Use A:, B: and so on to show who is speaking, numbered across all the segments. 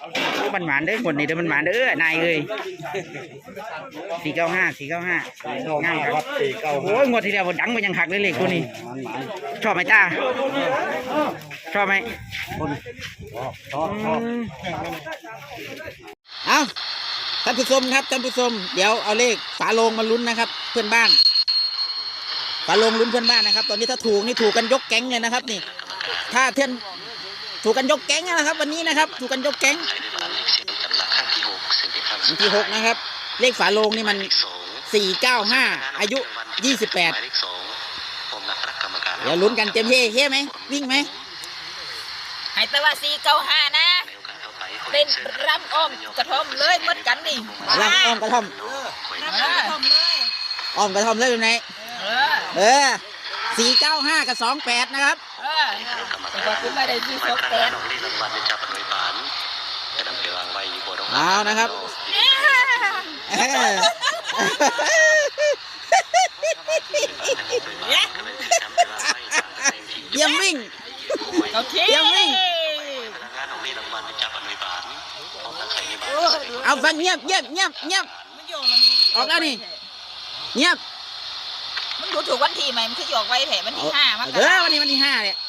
A: มันหวานเด้อคนนี้เด้อมันหวานเด้อนายเอ้ย495ง่ายครับโอ้ยงวดที่แล้วดังไปยังหักเลยเลขตัวนี้ชอบไหมตาชอบไหมชอบเอาท่านผู้ชมครับท่านผู้ชมเดี๋ยวเอาเลขฝาโลงมาลุ้นนะครับเพื่อนบ้านฝาโลงลุ้นเพื่อนบ้านนะครับตอนนี้ถ้าถูกนี่ถูกกันยกแก๊งเลยนะครับนี่ถ้าเพื่อนถูกกันยกแก๊งนะครับวันนี้นะครับถูกกันยกแก๊งที่6นะครับเลขฝาโลงนี่มัน495อายุ28เดี๋ยวลุ้นกันเต็มเฮ้ไหมวิ่งไหม
B: ให้แต่ว่า495นะเป็นรำอ้อมกระท่อมเลยหมดกันนี่
A: รำอ้อมกระท่อมอ้อมกระท่อมเลยเป็นไง495กับ28นะครับ
B: แต่คุณไม่ได้28
A: เอานะครับเยี่ยมวิ่งเยี่ยมวิ่งเอาฟังเงียบออกแล้วนี่เงียบ
B: มันดูถูกวันที่ไหมมันคือออกไว้แผลวันที่5มั้ง
A: วันนี้วันที่5เนี่ย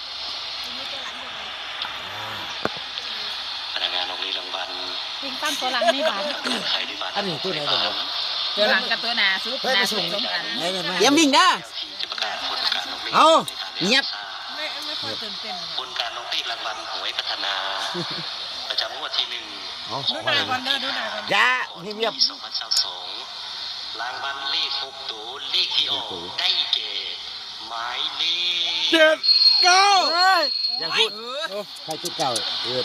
B: วิ่งตั้งตัวหลังนี่บ้าน
C: อันนี้ตัวไหน
B: ตัวหลังกับตัวหน้าซุปหน้าซุปสมกัน
A: เยี่ยมวิ่งนะเอาเงียบ
B: ไม่ค่อยตื่นเต้น
D: บนการลงที่รางวัลหวยพัฒนาประจำงวดที่1
B: ดูหน้าก่อน
A: ยาเงียบ
D: 2022รางวัลเลข6ตัวเลขที่ออกได้แก่หมายเลข
A: 7 9
C: อย่าพูดใครจุดเก่า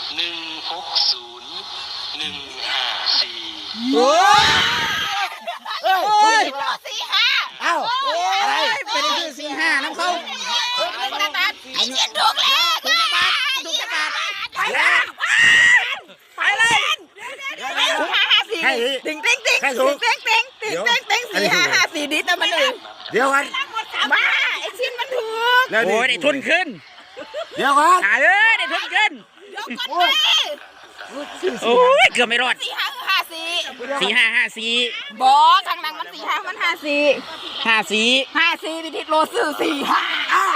D: 160 154
A: โอ้ย
B: 45
A: อ้าวอะไรเป็นชื่อ45น้ำเขา
B: ไอ้เจียนถูกแล้ว
A: ถูกจักร
B: ไปเลย554ติ๊ง4554ดิแต่มันเลย
C: เดี๋ยวกัน
B: บ้าไอ้ชิ้นมันถูก
A: โอ้ยได้ทุนขึ้น
C: เดี๋ยวกัน
A: ได้ทุนขึ้นโอ้ยเกือบไม่รอด4554
B: บอกทางนั้นมัน45มัน54พิธีโรซื้อ45
C: อ้าว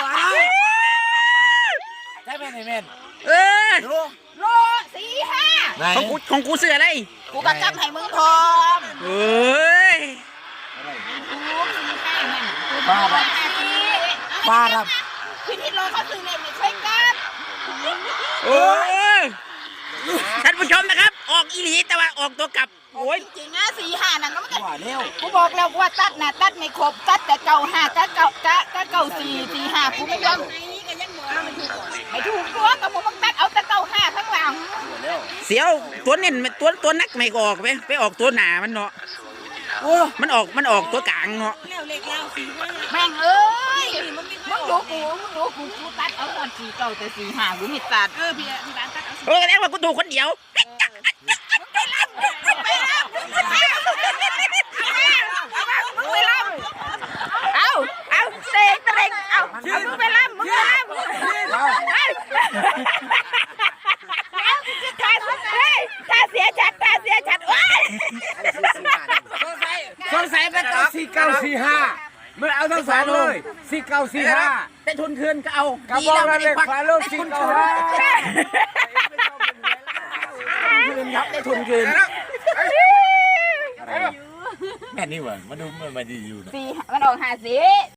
C: ใช่ไหมไอ้เมน
B: โล45
A: ของกูเสืออะไร
B: กูก็จำให้มึงพร้อม
A: เฮ้ย
C: ป้าครับ
B: พิธีโรเขาซื้อเลยไม่ช่วยกัน
A: โอ้ยท่านผู้ชมนะครับออกอีหลีแต่ว่าออกตัวกลับโอ้ย
B: จริงนะ45นั่นก็มันกูบอกแล้วว่าตัดนะตัดไม่ครบตัดแต่95ก็9445กูไม่ยอมไม่ถูกตัวกับมึงตัดเอาแต่95ข้างหลัง
A: เสียวตัวเน้นตัวนักไม่ออกไปออกตัวหนามันเนาะมันออกตัวกลางเนาะ
B: แม่งเอ้ยมึงดูกูตัดเอาตอน49แต่45กูไม่ตัดพี่ร้านตัด
A: เอาแสดงว่ากูถูกคนเดียว
B: เอาเตงเอามึงไปล่ำถ้าเสียชัดโอ้ย
C: สงสัยเป็น4945มันเอาทั้ง2เลย4945
A: ได้ทุนคืนก็เอา
C: กระบอกละเลขฝาโลง495
A: ได้ทุนคืน
C: แม่นี่หว่ามาดูมันมาดีอยู่นะ
B: มันออก50